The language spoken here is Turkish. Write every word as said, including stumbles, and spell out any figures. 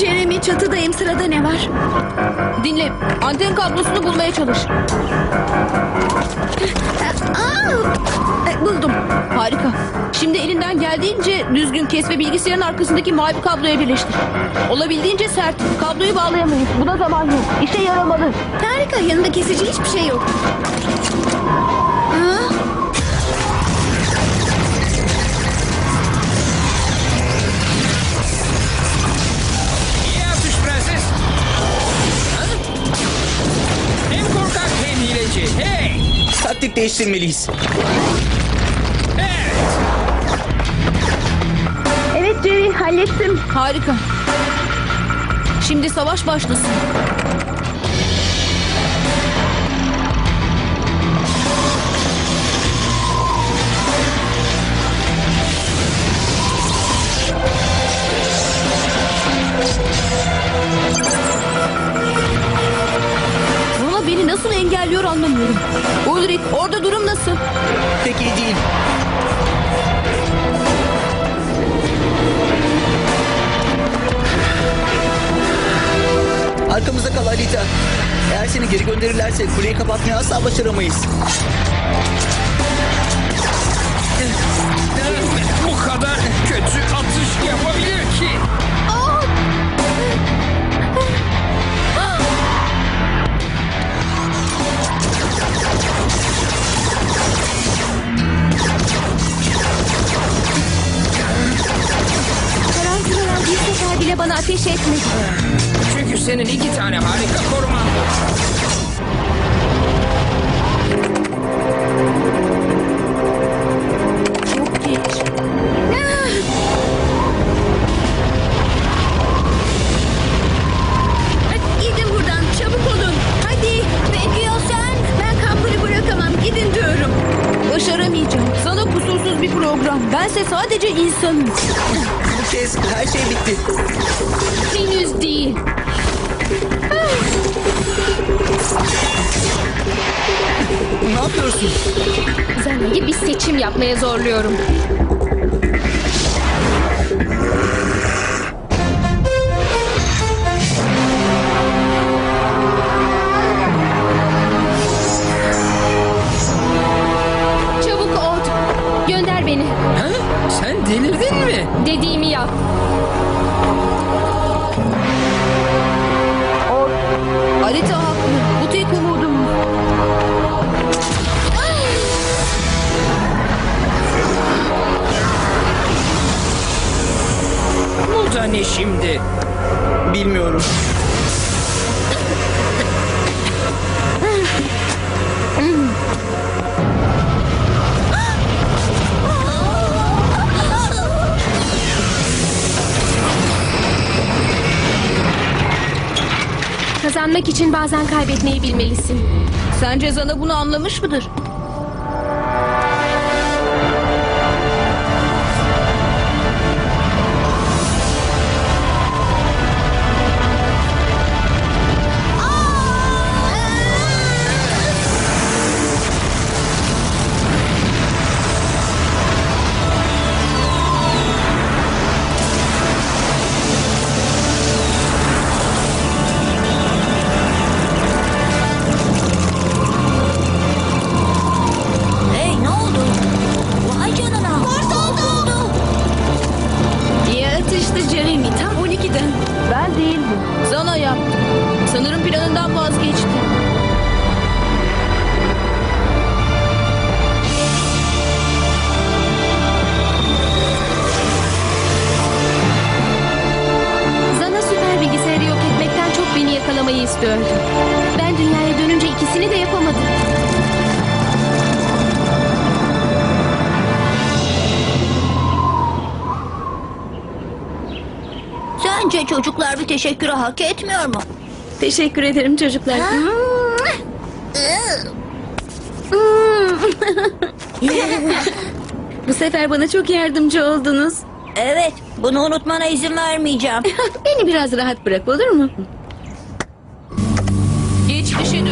Jeremy, çatıdayım. Sırada ne var? Dinle, anten kablosunu bulmaya çalış. Aa! E, Buldum. Harika. Şimdi elinden geldiğince düzgün kes ve bilgisayarın arkasındaki mavi kabloya birleştir. Olabildiğince sert. Kabloyu bağlayamayız. Buna zaman yok. İşe yaramalı. Harika. Yanında kesici hiçbir şey yok. Aa! İyi atış prenses. Ha? Hem korkak hem hileci. Hey! Taktik değiştirmeliyiz. Evet. Evet Jerry, hallettim. Harika. Şimdi savaş başlasın. Buna beni nasıl engelliyor anlamıyorum. Ulrich, orada durum nasıl? Pek iyi değil. Arkamızda kal Alita. Eğer seni geri gönderirlerse kuleyi kapatmayı asla başaramayız. Bu kadar kötü atış yapabilir ki. Tarantulalar bir sefer bile bana ateş etmedi. Çünkü senin iki tane harika koruman var. Çok geç. Gidin buradan, çabuk olun. Hadi. Peki ya sen? Ben kampını bırakamam. Gidin diyorum. Başaramayacağım. Sana kusursuz bir program. Bense sadece insanım. Bu kez her şey bitti. Henüz değil. Ne yapıyorsun? Zana'yı bir seçim yapmaya zorluyorum. Çabuk ol. Gönder beni. Ha? Sen delirdin mi? Dediğimi yap. Alita haklı. Bu tek umudum. Bu da ne şimdi? Bilmiyorum. Kazanmak için bazen kaybetmeyi bilmelisin. Sence Zana bunu anlamış mıdır? Hey, ne oldu? Vay canına. Kurt oldu. İyi atıştı Jeremy. Tam on ikiden. Ben değildim. Zana yaptı. Sanırım planından vazgeçti. Zana süper bilgisayarı yok etmekten çok beni yakalamayı istiyordu. Ben dünyaya dönünce ikisini de yapamadım. Sence çocuklar bir teşekkürü hak etmiyor mu? Teşekkür ederim çocuklar. Bu sefer bana çok yardımcı oldunuz. Evet, bunu unutmana izin vermeyeceğim. Beni biraz rahat bırak, olur mu? Geçmişe